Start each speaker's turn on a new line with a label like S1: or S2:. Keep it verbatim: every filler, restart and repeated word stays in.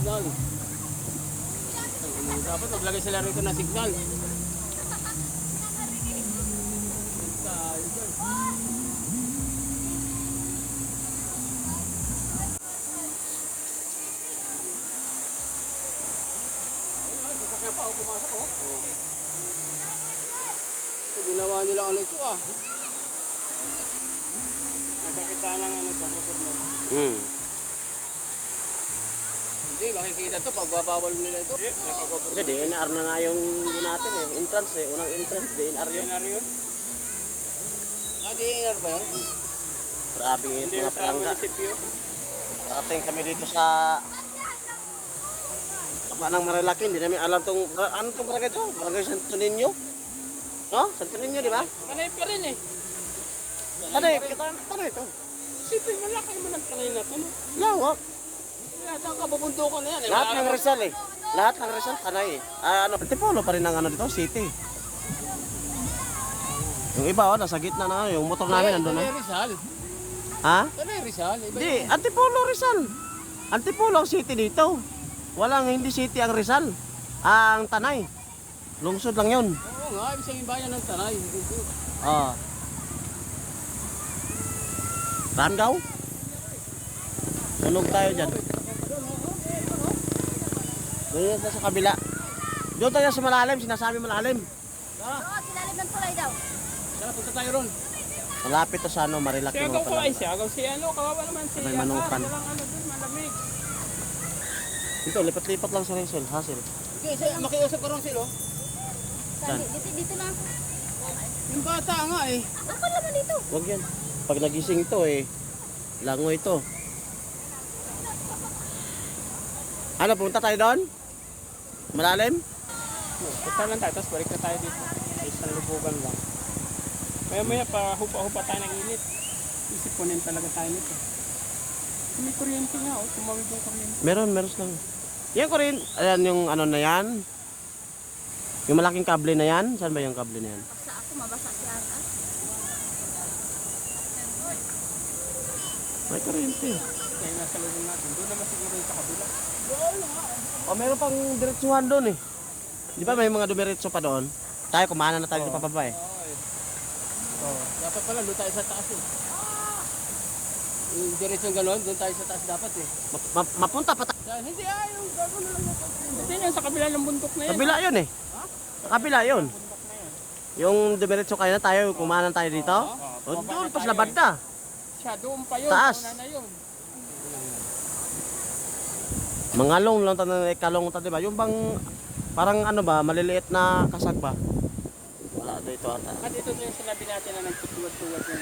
S1: signal. Dapat maglagay sila rito ng signal. Kaya pa ako pumasok oh. So, ginawa nila ano ito ah. Nakakita lang ano ito.
S2: Hmm.
S1: Hindi, makikita ito pag babawal nila ito.
S2: Hindi, D N R na nga yung yun natin eh. Entrance eh. Unang entrance, D N R yun.
S1: D N R yun? Ah, D N R ba yun?
S2: Grabe yung
S1: Hindi
S2: mga
S1: yung sa
S2: prangka.
S1: munisipyo.
S2: Dating kami dito sa Kapanang Marilaki, hindi namin alam tong ano tong barangay ito? Barangay Santo Niño? No? Santo Niño, di ba?
S1: Kanay pa rin eh.
S2: Tanay, kita tanay ito.
S1: Sipin, malaki mo ng kanay na ito. No?
S2: Lawak.
S1: Lahat ang kababuntukan na yan. Eh.
S2: Lahat
S1: Wala
S2: ng
S1: ka-
S2: Rizal eh. Lahat ng Rizal, tanay eh. Ah, ano, Antipolo pa rin ang ano dito, city. Yung iba oh, nasa gitna na, yung motor namin nandun
S1: Kanay
S2: na.
S1: Rizal.
S2: Ha?
S1: Kanay Rizal. Iba
S2: Hindi,
S1: yun.
S2: Antipolo Rizal. Antipolo ang city dito. Walang hindi city ang Rizal. Ang Tanay. Lungsod lang yun.
S1: Oo nga, ibig sabihin bayan ng Tanay.
S2: Ah. Rangaw? Sunog tayo dyan. Doon tayo sa kabila. Doon tayo sa malalim, sinasabi malalim.
S1: Tara,
S3: Oo, silalim ng tulay daw.
S1: tara, punta tayo ron.
S2: Malapit to sa ano, Marilaki
S1: Si
S2: mga
S1: Agaw ko
S2: pala.
S1: ay si Agaw. Si ano, kawawa naman si
S2: May manukan.
S1: Ah, walang ano dun, malamig.
S2: Dito, lipat-lipat lang sa Rizal, Hasil.
S1: Okay, so, makiusap ko ron sila.
S2: Saan?
S3: Dito, dito na ako.
S1: Yung bata nga eh.
S3: Ako naman dito.
S2: Huwag yan. Pag nagising to eh, lango ito. Ano, pumunta tayo doon? Malalim?
S1: Punta lang tayo, tapos balik na tayo dito. Sa isang lubugan lang. Maya maya pa, hupa-hupa tayo ng init. Isipunin talaga tayo nito. May kuryente nga, oh. Tumawid yung kuryente.
S2: Meron, meron lang. Yan ko rin. Ayan yung ano na yan. Yung malaking kable na yan. Saan ba yung kable na yan?
S3: Basta ako, mabasa siya. ah.
S2: May kuryente.
S1: Kaya nasa lubong natin. Doon naman siguro yung sa kabila.
S2: O, meron pang diretsuhan doon eh. Di ba may mga dumiretso pa doon? Tayo, kumana na tayo
S1: Oo.
S2: papaba eh.
S1: Oh, dapat pala doon tayo sa taas eh. Yung diretsong gano'n, doon tayo sa taas dapat eh.
S2: Ma- ma- mapunta pa tayo.
S1: Dahil hindi ah, yung gano'n na lang dapat. Hindi yan, sa kabila ng bundok na yan.
S2: Kabila yun eh. Kabila yun.
S1: Bundok na yan.
S2: Yung dumiretso kayo na tayo, kumana tayo dito.
S1: Oo.
S2: O,
S1: Baba
S2: doon,
S1: na
S2: pas
S1: tayo
S2: labad
S1: eh.
S2: na.
S1: Siya, doon pa yun.
S2: Taas.
S1: Una na yun.
S2: Mangalong lang tayo, ikalong tayo, diba? Yung bang, parang ano ba, maliliit na kasag ba? Wala dito ata.
S1: At ito na yung sinabi natin na nagtutuwad-tuwad yung